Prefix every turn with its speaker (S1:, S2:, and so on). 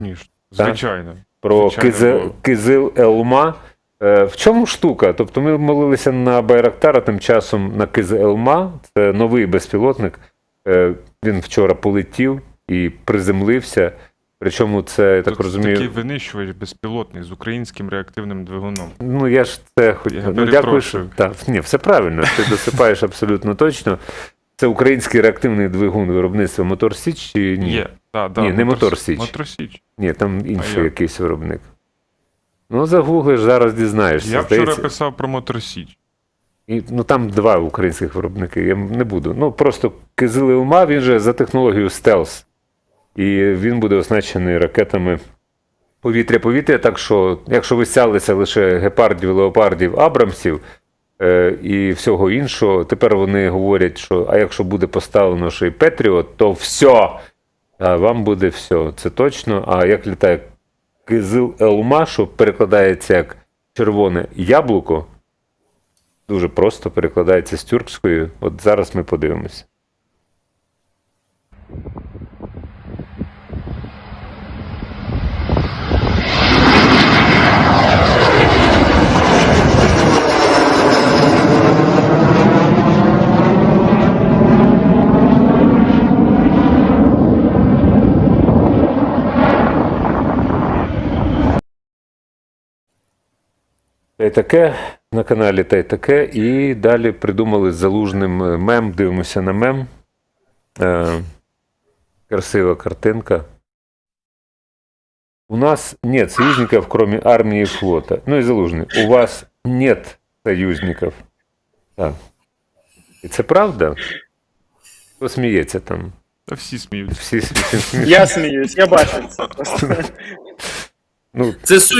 S1: Звісно. Звичайно.
S2: Про
S1: Звичайно, було.
S2: Кизил Елма. В чому штука? Тобто ми молилися на Байрактара, тим часом на Кизил Елма. Це новий безпілотник. Він вчора полетів і приземлився. Причому це, я так
S1: Тут
S2: розумію...
S1: такий винищувач безпілотний з українським реактивним двигуном.
S2: Ну, я ж це хотів. Ну, дякую, що... Так, ні, все правильно, ти досипаєш абсолютно точно. Це український реактивний двигун виробництва Мотор Січ чи ні?
S1: Є, так.
S2: Ні, не Мотор Січ.
S1: Мотор Січ.
S2: Ні, там інший
S1: як?
S2: якийсь виробник. Ну, загуглиш, зараз дізнаєшся.
S1: Я
S2: здається.
S1: вчора писав про Мотор Січ.
S2: І, ну, там два українських виробники, я не буду. Ну, просто Кизил Елма, він же за технологією стелс. І він буде оснащений ракетами повітря-повітря, так що, якщо ви стялися лише гепардів, леопардів, абрамсів і всього іншого, тепер вони говорять, що а якщо буде поставлено ще й Петріот, то все, а вам буде все, це точно. А як літає Кизил Елма, що перекладається як червоне яблуко, дуже просто перекладається з тюркської, от зараз ми подивимося. Та й таке на каналі та й таке. І далі придумали з Залужним мем. Дивимося на мем. Красива картинка. У нас нет союзников, кроме армии и флота. Ну и Залужний. У вас нет союзников. Так. І це правда? Хто сміється там?
S1: Та всі сміються.
S2: Всі сміються.
S3: Я сміюсь, я бачу це.
S2: Ну,
S4: Це суть